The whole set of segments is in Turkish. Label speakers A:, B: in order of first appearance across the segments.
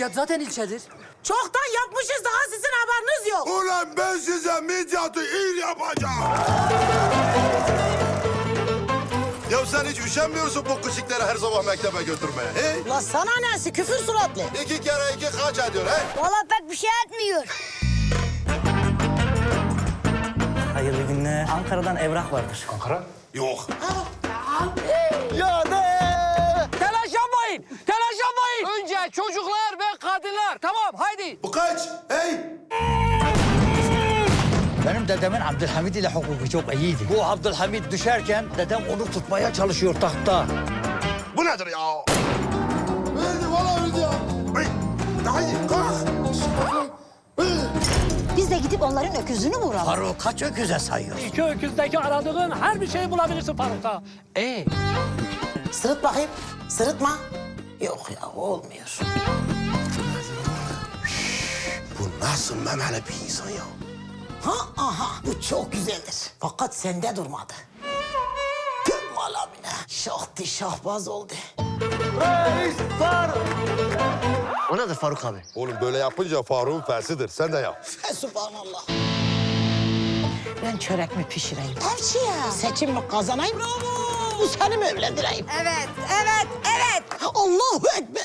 A: Midyat zaten ilçedir.
B: Çoktan yapmışız, daha sizin haberiniz yok.
C: Ulan ben size Midyat'ı il yapacağım. Ya sen hiç üşenmiyorsun bu küçükleri her sabah mektebe götürmeye. He?
B: La sana nesi, küfür suratlı.
C: 2 kere 2 kaç ediyor he?
D: Valla pek bir şey etmiyor.
E: Hayırlı günler. Ankara'dan evrak vardır.
C: Yok.
A: Telaş yapmayın. Telaş yapmayın. Önce çocuklar ve kadınlar. Tamam haydi.
C: Bu kaç? Hey!
E: Benim dedemin Abdülhamid ile hukuku çok iyiydi. Bu Abdülhamid düşerken dedem onu tutmaya çalışıyor tahtta.
C: Bu nedir ya? Öldü valla öldü ya. Hey! Daha iyi kalk.
D: Biz de gidip onların öküzünü vuralım.
E: Faruk kaç öküze sayıyor?
F: İki öküzdeki aradığın her bir şeyi bulabilirsin Faruk'ta.
B: Sırıt bakayım, sırıtma. Yok ya, olmuyor.
C: Bu nasıl memeli bir insan ya?
B: Ha, aha, bu çok güzeldir. Fakat sende durmadı. Tüm malamine. Şahtı şahbaz oldu.
E: O nedir Faruk abi?
C: Oğlum böyle yapınca Faruk'un fersidir. Sen de yap.
B: Subhanallah. Ben çörek mi pişireyim? Tavsiye. Seçim mi kazanayım? Bravo. Bu seni mi evlendireyim?
D: Evet, evet, evet.
B: Allahu Ekber.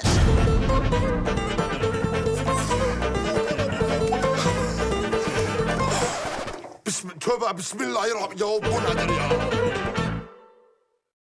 C: Tövbe bismillahirrahmanirrahim. Ya bu nedir ya?